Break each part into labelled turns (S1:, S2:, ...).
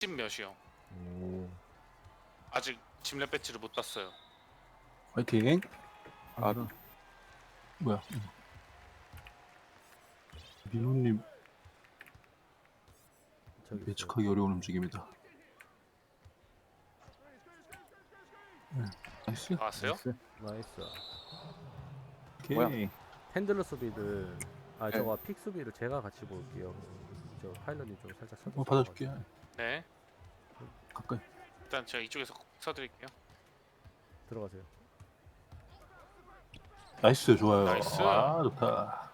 S1: 10 몇이요.
S2: 오.
S1: 아직 짐랩 배치를 못 땄어요.
S3: 화이팅.
S2: 아,
S3: 뭐야? 민호님
S2: 저기
S3: 예측하기 어려운 움직임이다. 네. 나이스.
S1: 나왔어요?
S2: 나이스.
S3: 오케이.
S4: 뭐야?
S2: 핸들러 수비를
S4: 네.
S2: 저거 픽 수비를 제가 같이 볼게요. 저 파일럿이 좀 살짝 서줘.
S3: 받아줄게.
S1: 네.
S3: 가까이.
S1: 일단 제가 이쪽에서 써드릴게요.
S2: 들어가세요.
S3: 나이스. 좋아요.
S1: 나이스.
S3: 아 좋다.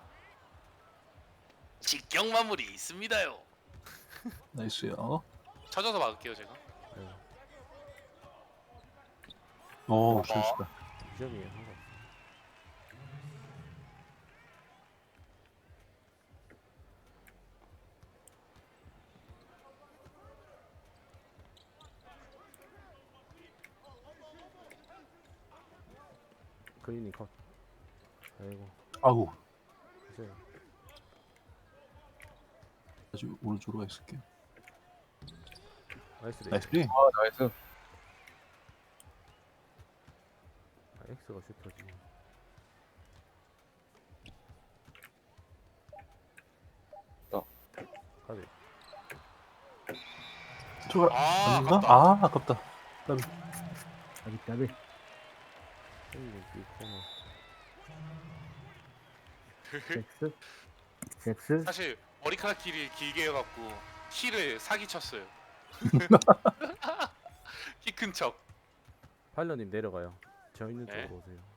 S1: 직경 마무리 있습니다요.
S3: 나이스요.
S1: 쳐져서 막을게요 제가.
S2: 네.
S3: 오 잘했다.
S2: 2점이에요. 상관. 그린이 컷. 아이고.
S3: 아우.
S2: 보세요.
S3: 다시 오른쪽으로 가 있을게.
S2: 나이스 레이.
S3: 나이스 리.
S4: 아 나이스.
S2: 아, X가 슈터지. 가비.
S3: 들어가.
S1: 아
S3: 아닌가?
S1: 아깝다.
S3: 아 아깝다.
S2: 까비. 이 코너.
S5: 잭스?
S1: 사실 머리카락 길이 길게 해갖고 힐을 사기 쳤어요. 키 큰 척.
S2: 파일럿님 내려가요. 저 있는
S1: 네.
S2: 쪽으로 오세요.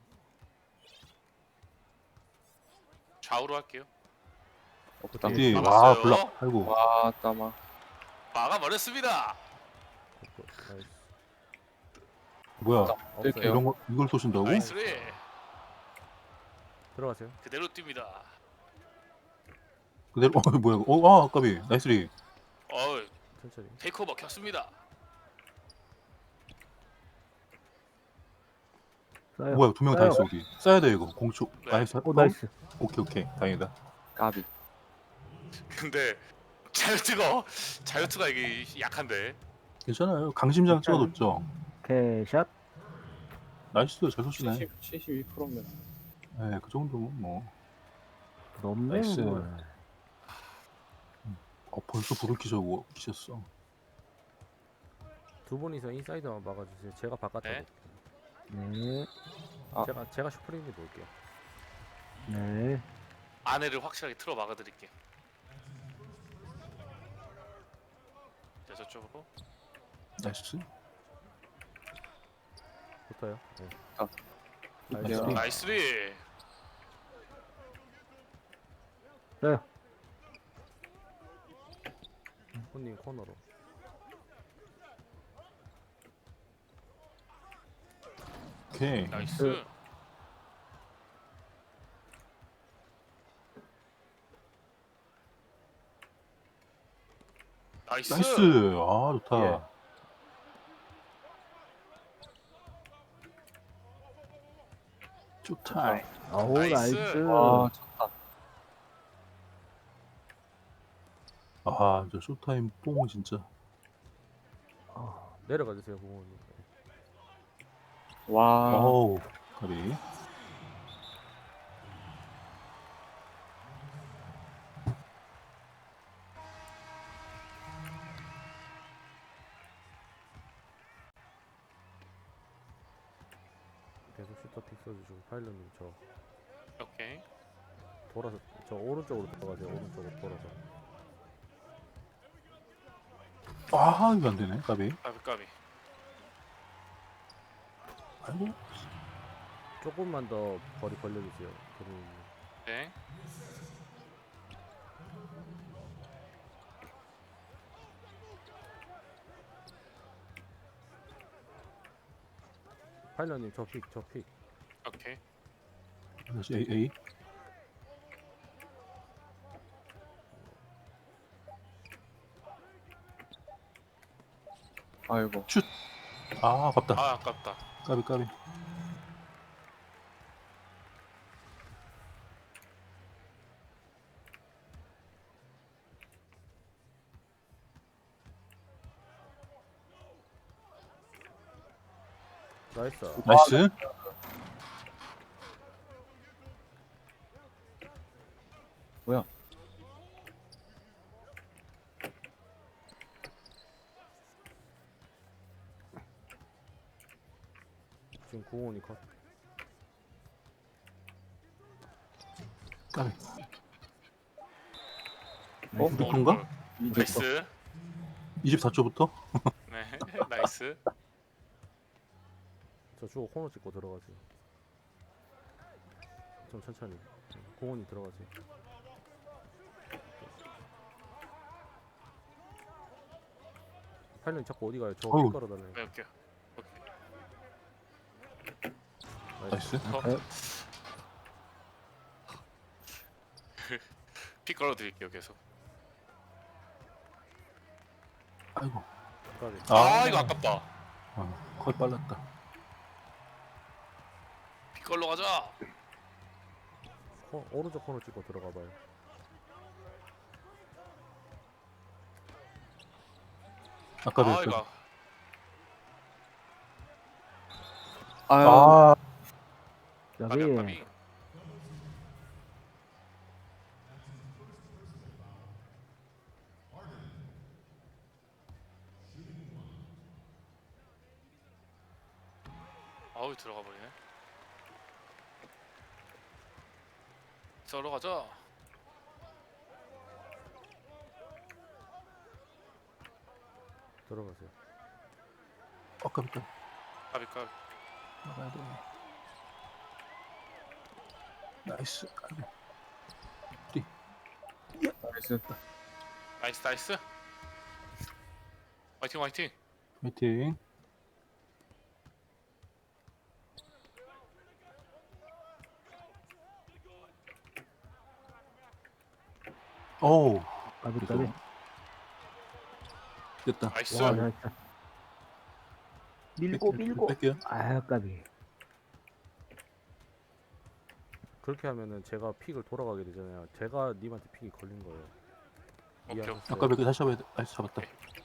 S1: 좌우로 할게요.
S4: 없다.
S3: 어디? 와
S1: 막았어요.
S3: 블락. 아이고.
S4: 와 따마.
S1: 막아버렸습니다.
S2: 나이스.
S3: 뭐야?
S4: 뛸게요.
S3: 이런 거 이걸 쏘신다고?
S1: 나이스리.
S2: 들어가세요.
S1: 그대로 뜁니다.
S3: 그대로. 뭐야? 아 아까비. 나이스 리.
S2: 천천히.
S1: 테이크오버 켰습니다.
S5: 쏴요.
S3: 뭐야? 두 명 다 있어 여기. 쏴야 돼 이거. 공초.
S1: 네.
S3: 나이스.
S5: 오 나이스.
S3: 오케이. 다행이다.
S4: 까비.
S1: 근데 자유투가 이게 약한데.
S3: 괜찮아요. 강심장 찍어뒀죠.
S5: 캐샷.
S3: 나이스. 잘 쏘시네.
S4: 72%면.
S3: 네, 그 정도면 뭐.
S5: 넘네
S3: 나이스.
S5: 뭐.
S3: 벌써 불을 키셨어.
S2: 두 분이서 인사이드만 막아주세요. 제가 바깥에
S1: 네.
S2: 볼게요.
S5: 네.
S4: 아.
S2: 제가 슈프림이 볼게요.
S5: 네.
S1: 안에를 확실하게 틀어 막아드릴게요. 자 저쪽으로.
S3: 나이스.
S2: 붙어요. 네.
S4: 나이스.
S1: 나이스리.
S5: 쏴요.
S2: 손님 코너로.
S3: 오케이.
S1: 나이스. 나이스.
S3: 나이스. 아 좋다.
S2: 예.
S3: 좋다.
S5: 아우
S1: 나이스.
S5: 나이스.
S4: 와 좋다.
S3: 아, 저 쇼타임 뽕 진짜.
S2: 내려가 주세요, 부모님.
S4: 와.
S3: 어우, 가비.
S2: 계속 슈터 픽 써주시고 파일럿님 저
S1: 오케이.
S2: 돌아서 저 오른쪽으로 들어가세요. 오른쪽으로 돌아서.
S3: 아, 이거 안 되네, 가비.
S1: 까비.
S3: 아이고.
S2: 조금만 더 거리 벌려주세요. 그리고
S1: 네.
S2: 파일럿님 저 픽.
S1: 오케이.
S3: 다시 A.
S4: 아이고.
S3: 아, 아깝다.
S1: 아 아깝다.
S3: 까비.
S2: 나이스.
S3: 나이스.
S4: 뭐야?
S2: 지금 구원이 컷.
S3: 까비.
S4: 어?
S3: 그건가?
S1: 나이스.
S3: 24초부터?
S1: 네, 나이스.
S2: 저 주고 코너 찍고 들어가세요. 좀 천천히. 공원이 들어가세요. 팔년 자꾸 어디 가요? 저
S3: 어우.
S2: 깔아달라요.
S1: 네, 오케이.
S3: 나이스.
S1: 피 걸어드릴게요 계속.
S3: 아이고.
S2: 까비.
S1: 아 이거 아깝다.
S3: 거의 빨랐다.
S1: 피 걸러 가자.
S2: 오른쪽 코너 찍고 들어가봐요.
S3: 아까
S1: 아
S3: 그
S1: 이거
S4: 아유.
S3: 아,
S1: 까비
S5: 여기
S1: 까비. 아우 들어가 버리네. 썰어 가자.
S2: 들어가세요.
S3: 아까부터
S1: 까비 까비.
S3: 나가야 돼. 나이스. 까비.
S4: 나이스.
S1: 나이스 나이스. 화이팅 화이팅.
S3: 화이팅. 오우.
S5: 까비
S3: 그래서
S5: 까비.
S3: 됐다.
S1: 나이스.
S5: 와 잘했다. 밀고 밀고.
S3: 뺄게요.
S5: 아 까비.
S2: 그렇게 하면은 제가 픽을 돌아가게 되잖아요. 제가 님한테 픽이 걸린 거예요.
S1: 오케이,
S2: 이해하셨어요?
S3: 아까 몇개 다시 잡아야 돼. 나이스 잡았다.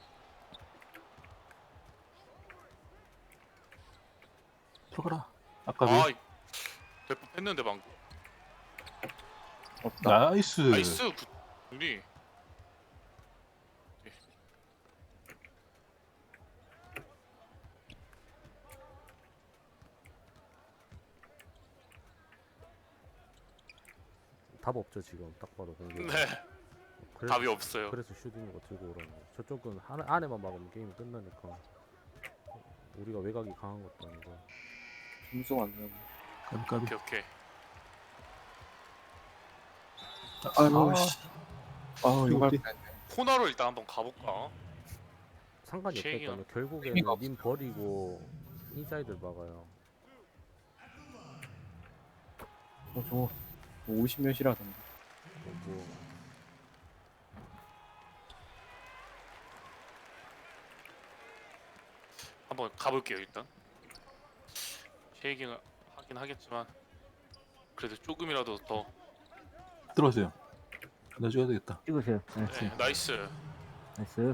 S3: 들어가라. 아까
S1: 아,
S3: 몇
S1: 대포 했는데 방금.
S4: 없다.
S3: 나이스.
S1: 나이스. 우리
S2: 답 없죠 지금 딱 봐도 공격.
S1: 네 답이 없어요.
S2: 그래서 슈딩 거 들고 오라는 거. 저쪽은 안에만 막으면 게임이 끝나니까. 우리가 외곽이 강한 것도 아니고.
S4: 점수가 안 나네.
S3: 까비.
S1: 오케이 오케이.
S4: 아유
S3: 아.
S4: 씨. 아우 이거 할
S3: 어디?
S4: 뻔했네.
S1: 코너로 일단 한번 가볼까?
S2: 상관이
S1: 쉐이기가
S2: 없겠다면 결국에는
S4: 의미가
S2: 님 버리고 인사이드를 막아요.
S4: 저거 50몇이라던데.
S2: 뭐
S1: 한번 가볼게요 일단. 쉐이킹을 하긴 하겠지만 그래도 조금이라도 더.
S3: 들어오세요. 나 줘야 되겠다.
S5: 찍으세요. 네.
S1: 네, 나이스.
S5: 나이스.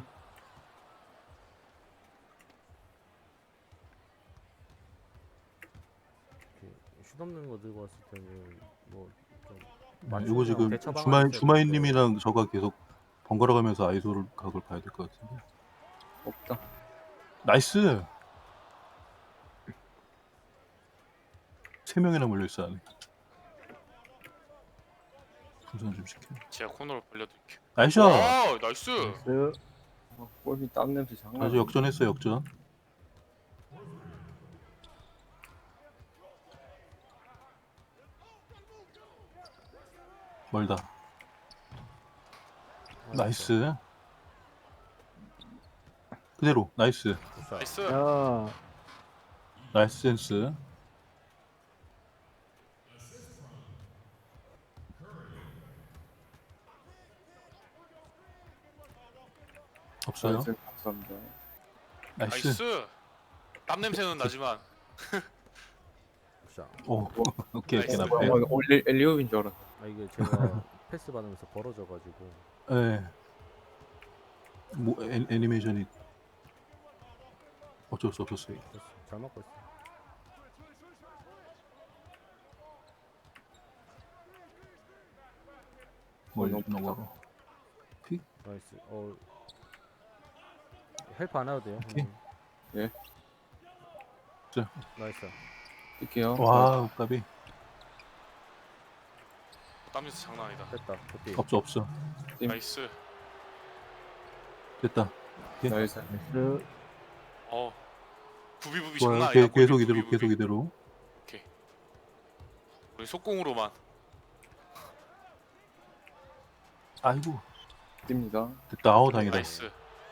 S2: 슛 없는 거 들고 왔을 때는 뭐좀
S3: 이거 지금 주마인님이랑 저가 계속 번갈아 가면서 아이소를 각을 봐야 될 것 같은데.
S4: 없다.
S3: 나이스. 3명이나 몰려 있어 안에. 풍선 좀 시켜.
S1: 제가 코너로 벌려드릴게요.
S3: 나이스.
S1: 와 나이스.
S5: 나이스.
S4: 골이 땀 냄새 장난.
S3: 아주 역전했어 역전. 멀다. 나이스. 그대로 나이스.
S1: 나이스.
S5: 자,
S3: 나이스 센스. 없어요.
S4: 나이스. 감사합니다.
S3: 나이스.
S1: 나이스. 땀 냄새는 나지만
S2: 자,
S3: 오. 오케이 오케이
S1: 나이스.
S3: 나
S4: 어, 이거 엘리옵인 줄 알았어.
S2: 이게 제가 패스 받으면서 벌어져가지고
S3: 네. 뭐 애니메이션이 어쩔 수 없었어요.
S2: 됐어. 잘 맞고 있어.
S3: 멀리
S4: 너무
S3: 넘어가.
S2: 나이스. 헬프 안 해도 돼요.
S3: 오케이.
S4: 예.
S3: 자.
S2: 나이스.
S4: 뛸게요.
S3: 와, 까비.
S1: 땀에서 장난 아니다.
S2: 됐다. 굿디.
S3: 없어.
S4: 팀.
S1: 나이스.
S3: 됐다.
S4: 나이스.
S5: 나이스.
S1: 어. 부비부비
S3: 좋아요.
S1: 장난 아니다.
S3: 계속
S1: 부비,
S3: 이대로,
S1: 부비, 부비.
S3: 계속 이대로.
S1: 우리 속공으로만.
S3: 아이고,
S4: 뜁니다.
S3: 됐다. 아우, 다행이다.
S1: 나이스.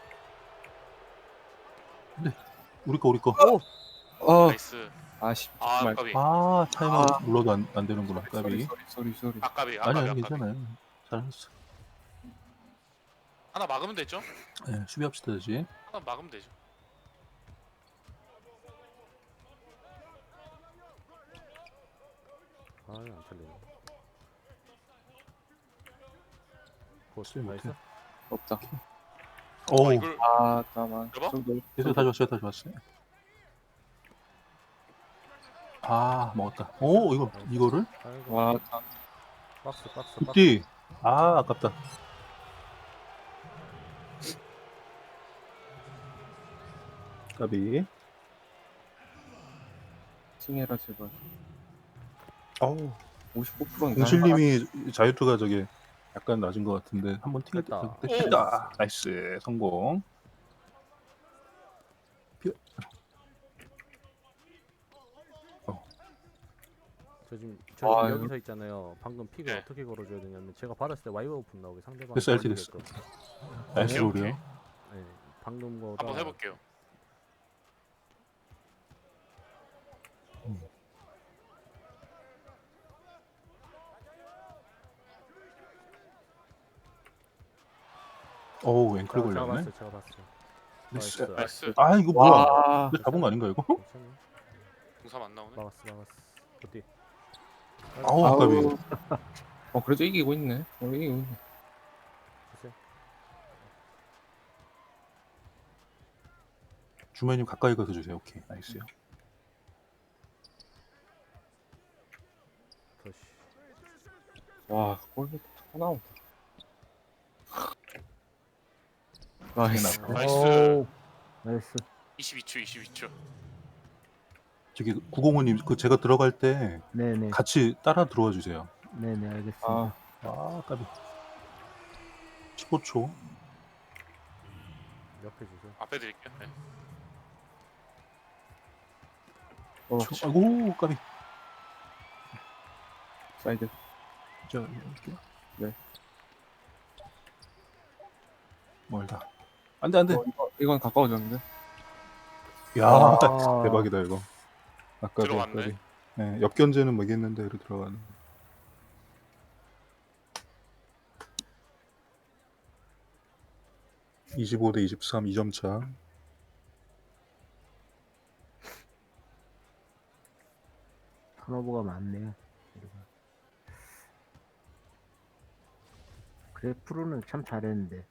S3: 우리 거.
S1: 나이스.
S4: 아쉽.
S1: 아,
S4: 정말.
S1: 까비.
S3: 아, 타이머 눌러도 안 되는구나. 까비.
S4: 쏘리.
S1: 아까비.
S3: 아니,
S1: 아까비.
S3: 괜찮아요. 잘했어.
S1: 하나 막으면 되죠?
S3: 네, 수비합시다, 다시.
S1: 하나 막으면 되죠.
S2: 안 틀리네.
S3: 쓰지
S2: 나이스.
S3: 못해.
S4: 없다.
S3: 오,
S1: 이걸
S4: 아, 잠깐만.
S1: 여보?
S3: 계속 다 좋았어요. 아, 먹었다. 오, 이거를?
S2: 아이고.
S4: 와,
S2: 박스.
S3: 굿디. 아, 아깝다. 까비.
S4: 칭해라 제발.
S3: 어우,
S4: 59%인가?
S3: 공실님이 자유투가 저게 약간 낮은 것 같은데 한번 튕길 때
S2: 됐다.
S3: 됐다. 나이스 성공.
S2: 저
S4: 아,
S2: 지금 여기서 있잖아요. 방금 픽을
S1: 네.
S2: 어떻게 걸어줘야 되냐면 제가 받았을 때 와이어 오픈 나오게 상대방.
S3: 됐어, LT 됐어. 나이스
S1: 오케이, 오케이.
S3: 롤이요.
S2: 네, 방금 거다.
S1: 한번 해볼게요.
S3: 어우, 앵클
S2: 제가
S3: 걸렸네.
S2: 봤어, 제가 봤어.
S3: 나이스.
S1: 나이스.
S3: 아, 이거 뭐야?
S4: 와,
S3: 이거 잡은 거 아닌가 이거?
S2: 괜찮아.
S1: 공삼 안 나오네.
S2: 막았어. 어디?
S3: 아우, 아까비.
S4: 그래도 이기고 있네. 이기고 있네.
S2: 됐어요.
S3: 주마님 가까이 가서 주세요. 오케이, 나이스요.
S2: 더시.
S4: 와, 골밑 또 나온다. 나이스.
S1: 나이스.
S5: 오, 나이스.
S1: 22초.
S3: 저기 905님 그 제가 들어갈 때
S5: 네네.
S3: 같이 따라 들어와 주세요.
S5: 네네, 알겠습니다.
S4: 아,
S3: 아, 까비. 15초.
S2: 옆에 주세요.
S1: 앞에 드릴게요. 네.
S3: 아이고, 까비.
S4: 사이드.
S3: 자, 이렇게.
S4: 네.
S3: 멀다. 안 돼.
S4: 이건 가까워졌는데.
S3: 야,
S5: 아.
S3: 대박이다 이거. 아까비,
S1: 들어갔네.
S3: 아까비. 네, 옆견제는 뭐겠는데 이로 들어가는. (25 대 23) 2점 차.
S5: 턴오버가 많네요. 그래, 프로는 참 잘했는데.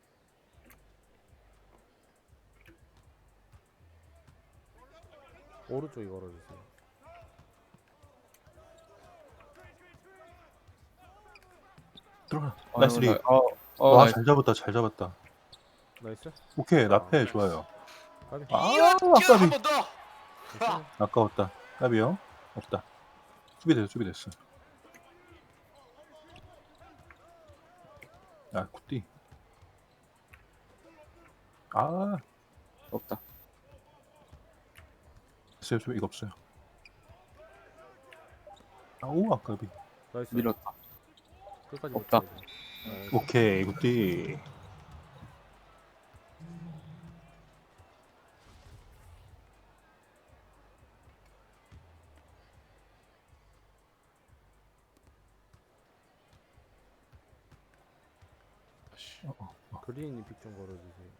S2: 오른쪽에 걸어주세요.
S3: 들어가. 나이스 리.
S4: 와,
S3: 와,
S4: 나이스.
S3: 잘 잡았다.
S2: 나이스.
S3: 오케이, 나페
S1: 나이스.
S3: 좋아요.
S2: 까비.
S3: 아,
S1: 뛰어
S3: 아까비.
S1: 한번 더.
S2: 괜찮아.
S3: 아까웠다. 까비요? 없다. 수비됐어. 아, 굿디. 아,
S4: 없다.
S3: 됐어요. 이거 없어요. 아우, 아까비.
S2: 나이스.
S4: 밀었다.
S2: 끝까지
S4: 없다.
S2: 버텨야지. 나이스.
S3: 오케이, 굿디.
S1: 아씨.
S2: 그린이 픽 좀 걸어주세요.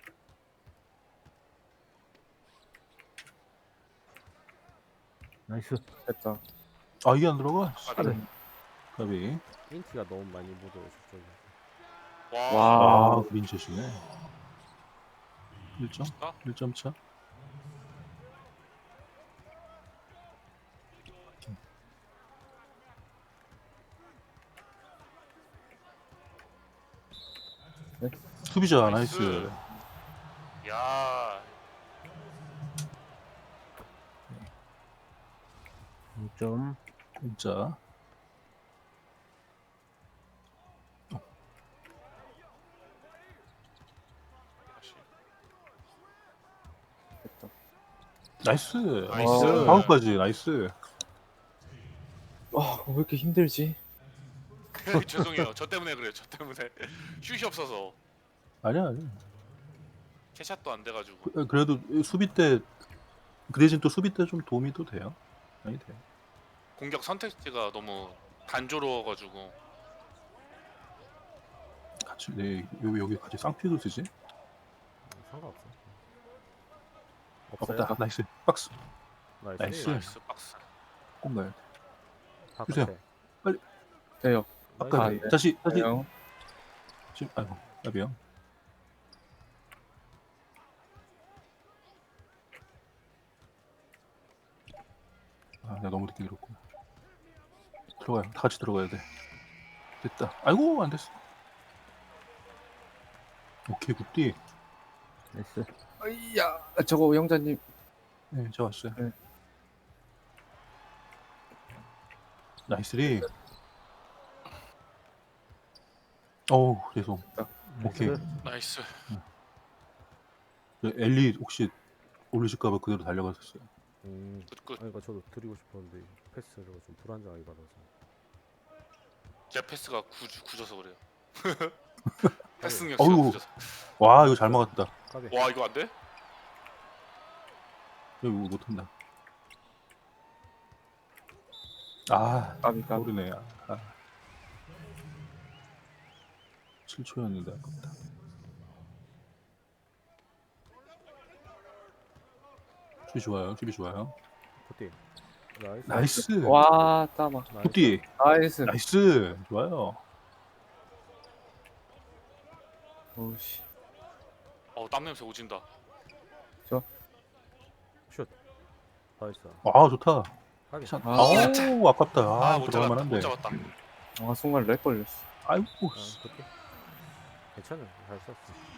S5: 나이스.
S4: 됐다.
S3: 아, 이게 안 들어가?
S1: 까비.
S3: 까비.
S2: 인티가 너무 많이 묻어요 저쪽에.
S1: 와.
S3: 아, 그린샷이네. 1점?
S1: 멋있다.
S3: 1점 차? 수비자 나이스.
S1: 야
S5: 2점.
S3: 진짜.
S1: 다시.
S4: 됐다.
S3: 나이스.
S1: 나이스.
S3: 파울까지 나이스.
S4: 와, 왜 이렇게 힘들지?
S1: 죄송해요. 저 때문에 그래요. 저 때문에 슛이 없어서
S3: 아니야 아니야.
S1: 캐샷도 안 돼가지고.
S3: 그래도 수비 때 그 대신 또 수비 때 좀 도움이 또 돼요. 많이 돼요.
S1: 공격 선택지가 너무 단조로워가지고.
S3: 같이 네 여기 같이 쌍피도 쓰지?
S2: 상관없어. 없어요?
S3: 없다. 나이스. 박스.
S2: 나이스.
S3: 나이스.
S1: 나이스 박스.
S3: 꼭 가야 돼.
S2: 바깥에.
S4: 돼요.
S3: 아까
S4: 아, 네.
S3: 다시
S4: 돼요.
S3: 지금 아이고 나비요. 아 내가 너무 늦게 들었고. 들어가요. 다 같이 들어가야 돼. 됐다. 아이고 안 됐어. 오케이 굿디.
S5: 나이스.
S4: 아이야, 저거 영자님.
S3: 네, 저 왔어요.
S4: 네.
S3: 나이스리. 어우 죄송. 오케이.
S2: 나이스.
S1: 나이스.
S3: 엘리 혹시 올리실까봐 그대로 달려갔었어요.
S1: 굿굿.
S2: 아니, 그러니까 저도 드리고 싶었는데 패스를 좀 불안정하게 받아서.
S1: 제 패스가 굳어서 그래요. 패스 능력
S3: 어이구.
S1: 진짜 굳어서.
S3: 와 이거 잘 막았다.
S2: 까비.
S1: 와 이거 안 돼?
S3: 이거 못한다. 아
S4: 까비까.
S3: 모르네. 아. 7초였는데 아깝다. 수비 좋아요. 수비 좋아요.
S2: 굿디. 나이스.
S3: 나이스.
S4: 와, 따마.
S2: 나이스.
S3: 굿디.
S4: 나이스.
S3: 나이스. 좋아요.
S4: 오우씨.
S1: 땀 냄새 오진다.
S2: 슛. 나이스.
S3: 아 좋다.
S2: 까비.
S3: 참.
S4: 아.
S3: 아우 아깝다. 아,
S1: 못
S3: 들어갈
S1: 잡았다.
S3: 만한데.
S1: 못 잡았다.
S4: 아, 순간 렉 걸렸어.
S3: 아이고
S2: 굿디. 괜찮아. 잘 썼어.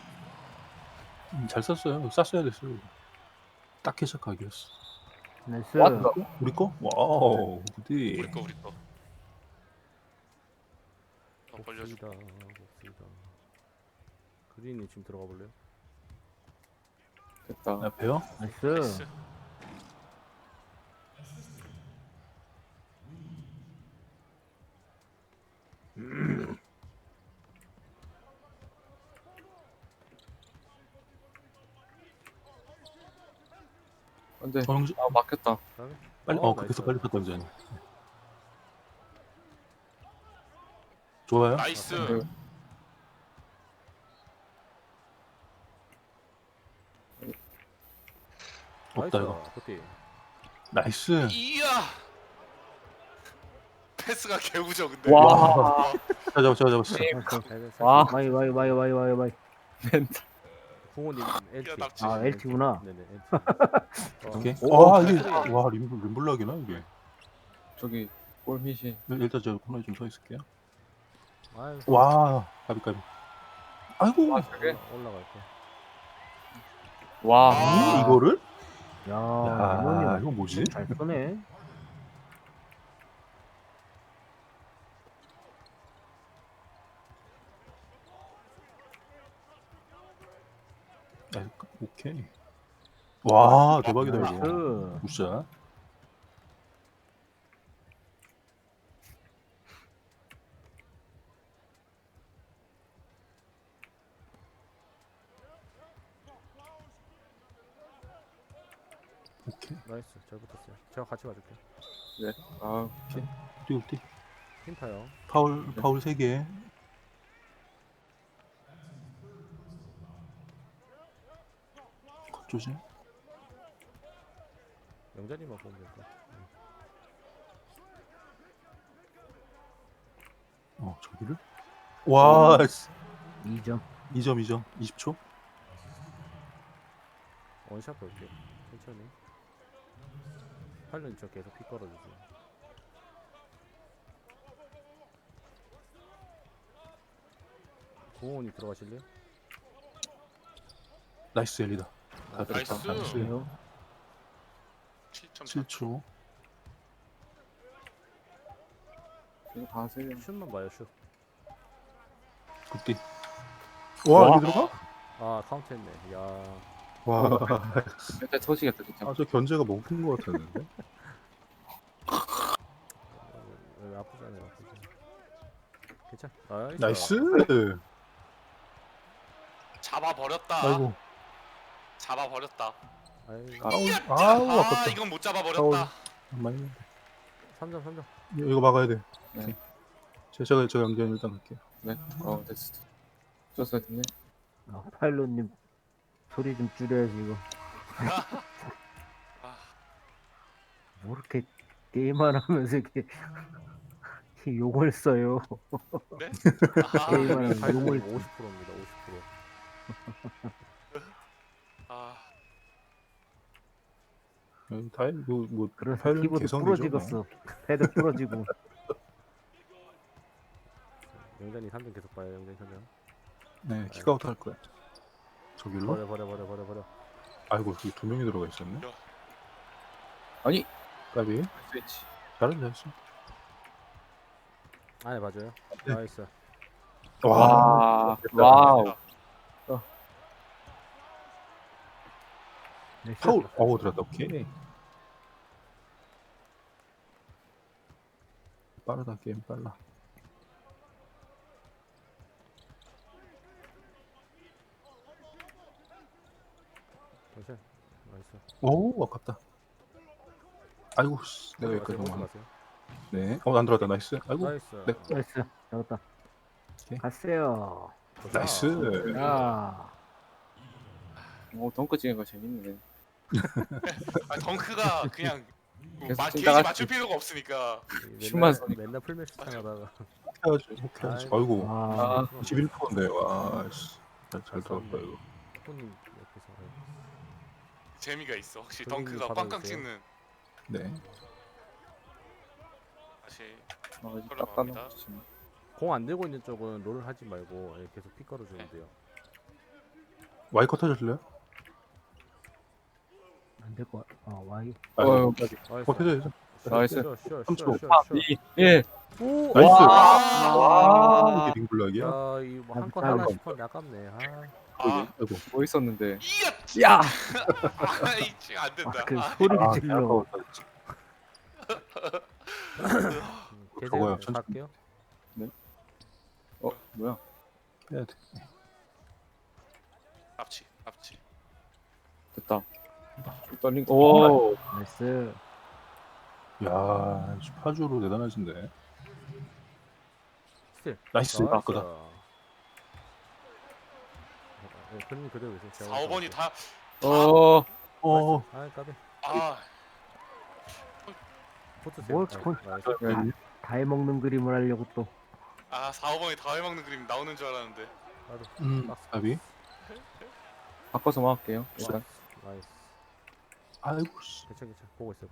S3: 잘 썼어요. 쌌어야 됐어요. 딱 해석 각이었어.
S5: 나이스.
S4: 왔다.
S3: 우리 거? 와우 굿디.
S1: 우리 거 우리 거. 벌려줘.
S2: 봅시다. 봅시다. 그린이 지금 들어가 볼래요?
S4: 됐다.
S3: 앞에요?
S5: 나이스.
S1: 나이스.
S4: 근데
S3: 정지.
S4: 아, 막혔다.
S2: 까비.
S3: 빨리 그래서 빨리 탔던 전이. 좋아요.
S1: 나이스.
S4: 네.
S3: 없다
S2: 나이스.
S3: 이거.
S2: 굿디.
S3: 나이스.
S1: 이야. 패스가 개우죠 근데.
S4: 와.
S3: 잡았어.
S4: 와.
S5: 와이.
S4: 멘탈.
S2: 부모님 LT.
S1: 야, 낙지.
S5: 아, LT구나.
S2: 네네 LT.
S3: 오케이.
S2: 오,
S3: 와 이게
S2: 나이스.
S3: 와 림블락이나 이게.
S4: 저기 골밑이.
S3: 일단 저 코너에 좀 서 있을게요.
S2: 아유.
S3: 와 까비까비. 아이고.
S4: 아, 저게.
S2: 올라갈 거.
S4: 와.
S1: 아.
S3: 이거를?
S5: 야,
S3: 야
S5: 이모님
S3: 이거 뭐지?
S5: 잘 쏘네.
S3: 아, 오케이. 와 대박이다 이거.
S5: 나이스.
S3: 굿샷. 오케이.
S2: 나이스. 잘 붙었어요. 제가 같이 봐줄게요.
S4: 네. 아,
S3: 뛰.
S2: 힘타요.
S3: 파울 3개. 조심.
S2: 영자님만 보면 될 거.
S3: 저기를? 와,
S5: 2점.
S3: 2점. 20초?
S2: 원샷 볼게요. 천천히. 팔른 저 계속 피 걸어주세요. 고원이 들어가실래요?
S3: 나이스 엘리다. 다
S1: 나이스.
S3: 됐다. 나이스.
S5: 왜요?
S1: 7.4.
S3: 7초.
S4: 이거 가세요.
S2: 슛만 봐요 슛.
S3: 굿디. 와,
S4: 와.
S3: 여기 들어가?
S2: 아 카운트했네. 야.
S3: 와.
S4: 일단 터지겠다 진짜.
S3: 아, 저 견제가 먹힌 것 같았는데.
S2: 아프지 않아요. 아프지 않아요. 괜찮.
S3: 나이스.
S1: 잡아버렸다.
S3: 아이고.
S1: 잡아버렸다.
S2: 아이고.
S3: 아우,
S1: 아,
S3: 아깝다.
S1: 이건 못 잡아버렸다.
S3: 많이.
S2: 3점.
S3: 이거 막아야 돼.
S4: 네.
S3: 제가 연기한 일단 갈게요.
S4: 네. 됐어. 줬어야 됐네.
S5: 파일럿님 소리 좀 줄여야지 이거.
S1: 아,
S5: 뭐 이렇게 게임만 하면서 이렇게 욕을 써요.
S1: 네?
S5: 게임하는
S2: 파이널
S5: 용을
S2: 50%입니다. 50%.
S1: 아,
S3: 다행 뭐
S5: 그래서
S3: 파일럿
S5: 키보드
S3: 개성이죠, 뭐.
S5: 부러지겠어. 패드 부러지고.
S2: 영전이 3점 계속 봐요. 영전이 3점.
S3: 네, 킥아웃 할 거야. 저길로?
S2: 버려.
S3: 아이고, 여기 두 명이 들어가 있었네.
S4: 아니.
S3: 까비.
S4: 스위치.
S3: 잘했어.
S2: 안에 봐줘요.
S3: 네.
S2: 나이스.
S4: 와. 와우.
S5: 네,
S3: 파울. 어우, 들었다. 오케이. 빠르다, 게임 빨라.
S2: 괜찮. 나이스.
S3: 오, 아깝다. 아이고, 씨. 내가 여기까지
S2: 가세요.
S3: 너무.
S2: 가세요.
S3: 네. 안 들어갔다. 나이스. 아이고.
S2: 나이스.
S3: 네.
S5: 나이스. 잡았다.
S3: 오케이.
S5: 갔어요.
S2: 좋다.
S3: 나이스.
S5: 야.
S4: 덩크 찍은 거 재밌네.
S1: 아, 덩크가 그냥 뭐
S4: 계속
S1: 게이지
S4: 찐따같이.
S1: 맞출 필요가 없으니까.
S4: 슛만 쏘니까.
S2: 맨날 풀매치 하다가
S3: 해야지. 아이고.
S5: 아,
S3: 21%인데. 와, 씨. 잘 들어갔다, 이거.
S2: 손이 옆에서
S1: 재미가 있어. 확실히
S2: 그림이
S1: 덩크가
S2: 받아주세요.
S1: 빵빵 찍는.
S3: 네.
S1: 다시
S4: 이제
S1: 걸로
S4: 딱
S1: 갑니다.
S4: 따놓고.
S2: 공 안 들고 있는 쪽은 롤 하지 말고 계속 픽 걸어주면 돼요.
S3: 와이 컷 하실래요?
S5: 안 될 거. 와이.
S4: 어휴.
S3: 컷 해줘야죠.
S4: 나이스.
S3: 삼촌.
S4: 2, 1.
S2: 오!
S3: 나이스.
S4: 와.
S3: 이게 링블락이야?
S2: 야, 이거 한건
S5: 아이고.
S2: 하나 싶었는데 아깝네.
S1: 아,
S3: 아이고.
S4: 뭐 있었는데.
S1: 이야!
S4: 야.
S1: 아이, 지금 안 된다.
S5: 그
S1: 아,
S5: 소리를 질러.
S3: 아까웠다.
S2: 계속
S3: 저거요, 천천히.
S2: 갈게요.
S4: 뭐야?
S3: 해야 돼.
S1: 앞치.
S4: 됐다. 좀 떨린 거. 오.
S5: 나이스.
S3: 야, 파주로 대단하신데.
S2: 스틸.
S3: 나이스. 아까다.
S2: 그림 그대로 계세요.
S1: 4, 5번이 다.
S3: 어,
S2: 아, 까비.
S1: 아,
S2: 붙으세요.
S5: 뭘
S2: 나이스.
S5: 다 해먹는 그림을 하려고 또.
S1: 4, 5번이 다 해먹는 그림 나오는 줄 알았는데.
S2: 나도. 박스.
S3: 가비.
S4: 바꿔서 막을게요. 일단.
S2: 나이스.
S3: 아이고, 씨.
S2: 괜찮. 보고 있어.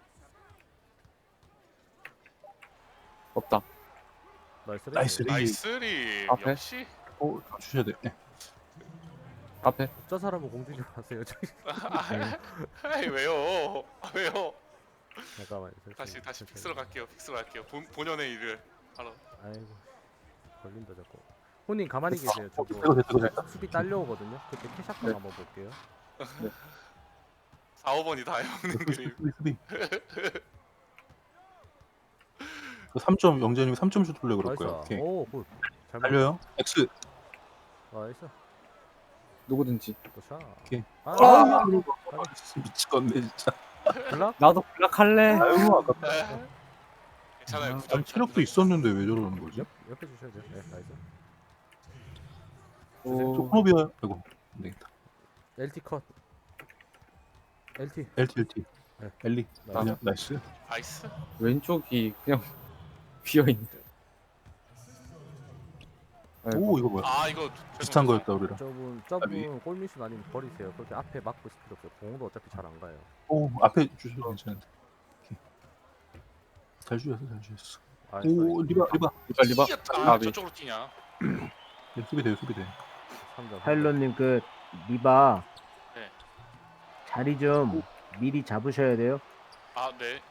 S4: 없다.
S2: 나이스.
S3: 나이스.
S1: 나이스리.
S4: 앞에?
S1: 역시.
S3: 주셔야 돼. 네.
S4: 앞에.
S2: 저 사람은 공주 좀 하세요.
S1: 아이, 왜요? 왜요?
S2: 잠깐만.
S1: 다시 픽스로 갈게요. 본연의 일을 하러.
S2: 아이고. 걸린다 자꾸. 혼님 가만히 계세요.
S3: 됐다.
S2: 수비 딸려오거든요. 그때 캐샷방
S4: 네.
S2: 한번 볼게요.
S1: 4, 5번이 다 해먹는 그림.
S3: 수비. 3점 영재님이 3점 슛 돌려 그럴 거야.
S2: 나이스.
S3: 오케이.
S2: 오, 굿. 잘
S3: 달려요. X.
S2: 나이스.
S4: 누구든지.
S2: 굿샷.
S3: 오케이.
S2: 아,
S3: 미치겠네 진짜.
S2: 블락?
S4: 나도 블락 할래.
S3: 아이고 아깝다.
S1: 괜찮아요.
S3: 아니, 체력도 있었는데 왜 저러는 거지?
S2: 옆에 주셔야 돼요. 네, 나이스.
S3: 저
S4: 오.
S3: 코노비아. 아이고 안 되겠다.
S2: LT 컷. LT.
S3: LT.
S2: 네.
S3: 엘리.
S2: 나이스.
S3: 그냥 나이스.
S1: 나이스.
S4: 왼쪽이 그냥 비어 있네.
S3: 오 이거 뭐야?
S1: 아, 이거
S3: 비슷한 거였다 우리랑.
S2: 저분 골밑은 아니면 버리세요. 그렇게 앞에 막고 있을 필요 없어요. 공도 어차피 잘 안 가요.
S3: 오 앞에 주셔도 괜찮은데. 오케이. 잘 주셨어.
S2: 아,
S3: 오 리바.
S4: 리바.
S1: 아,
S4: 아,
S1: 저쪽으로 뛰냐?
S3: 네, 수비돼요.
S2: 3점.
S5: 파일럿님 끝. 리바
S1: 네.
S5: 자리 좀 미리 잡으셔야 돼요.
S1: 아, 네.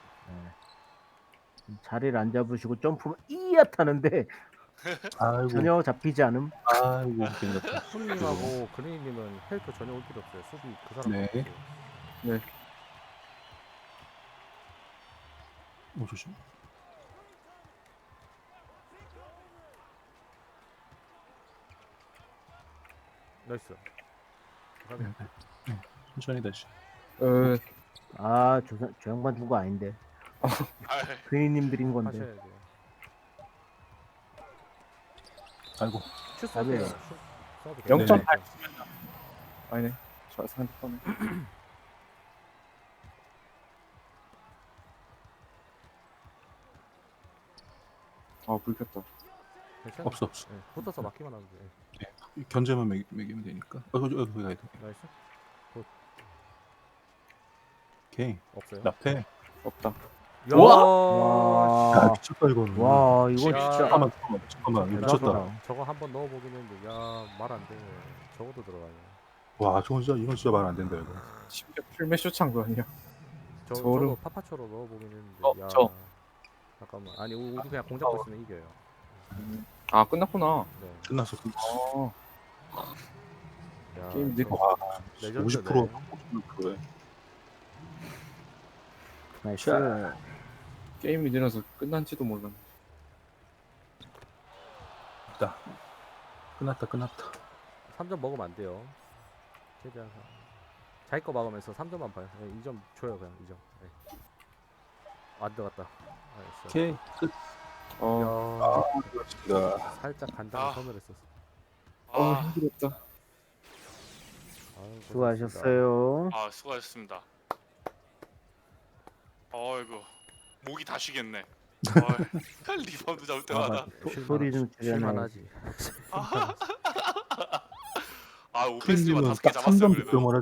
S5: 자리를 안 잡으시고 점프만 이야 타는데
S3: 아이고.
S5: 전혀 잡히지 않음.
S3: 아이고 괜히 갔다.
S2: 훈님하고 그린님은 헬프 전혀 올 필요 없어요. 수비 그 사람
S3: 네.
S2: 없어요.
S3: 조심.
S2: 나이스.
S3: 네. 천천히 다시.
S5: 저 양반 누구 아닌데.
S1: 아,
S5: 괜히님 드린 건데.
S2: 하셔야 돼요.
S3: 아이고.
S2: 슛
S5: 답이에요.
S2: 쏘세요. 슛 쏘도
S4: 0.8
S2: 괜찮아요.
S4: 아니네. 저 상대편에. 아, 불 켰다.
S2: 괜찮아요.
S3: 없어 없어.
S2: 네, 붙어서 막기만 하면 돼.
S3: 견제만 매기면 되니까. 거기 가야 돼.
S2: 나이스.
S3: 오케이.
S2: 없어요.
S3: 나패.
S4: 없다.
S2: 야.
S5: 와.
S3: 야 미쳤다 이거는.
S5: 와 이거
S2: 야.
S5: 진짜
S3: 잠깐만. 이거 미쳤다.
S5: 대단하다.
S2: 저거 한번 넣어보긴 했는데 말 안 돼. 저것도 들어가요.
S3: 와 저건 진짜 이건 진짜 말 안 된다 이거.
S4: 심지어 풀메쇼 찬거 아니야?
S2: 저도
S4: 저를-
S2: 파파초로 넣어보긴 했는데 야.
S4: 저.
S2: 잠깐만. 아니 우리 그냥 공잡고 있으면 이겨요.
S4: 아, 끝났구나.
S2: 네.
S3: 끝났어.
S4: 아,
S2: 야,
S4: 게임
S2: 저
S4: 늦고.
S3: 와
S2: 레전드네.
S3: 50%에.
S5: 나이스.
S4: 게임이 늘어서 끝난지도 몰랐네.
S3: 있다. 끝났다.
S2: 3점 먹으면 안 돼요. 최대한 자기 거 막으면서 3점만 봐요. 네, 2점 줘요 그냥 2점. 네. 안 들어갔다. 알았어.
S3: 오케이 끝.
S4: 어,
S2: 야,
S3: 야,
S2: 살짝 간단히
S1: 아.
S2: 선을 했었어.
S1: 아,
S4: 힘들었다.
S2: 아유, 고생했습니다.
S5: 수고하셨어요.
S1: 아, 수고하셨습니다. 어이구, 목이 다 쉬겠네. 리바운드 잡을 때마다.
S5: 소리 좀 줄여놔야지.
S2: 쉴만하지.
S1: 아, 오펜스가
S3: 퀸님은
S1: 5개
S3: 딱
S1: 잡았어요
S3: 3점
S1: 그래도.
S3: 득점을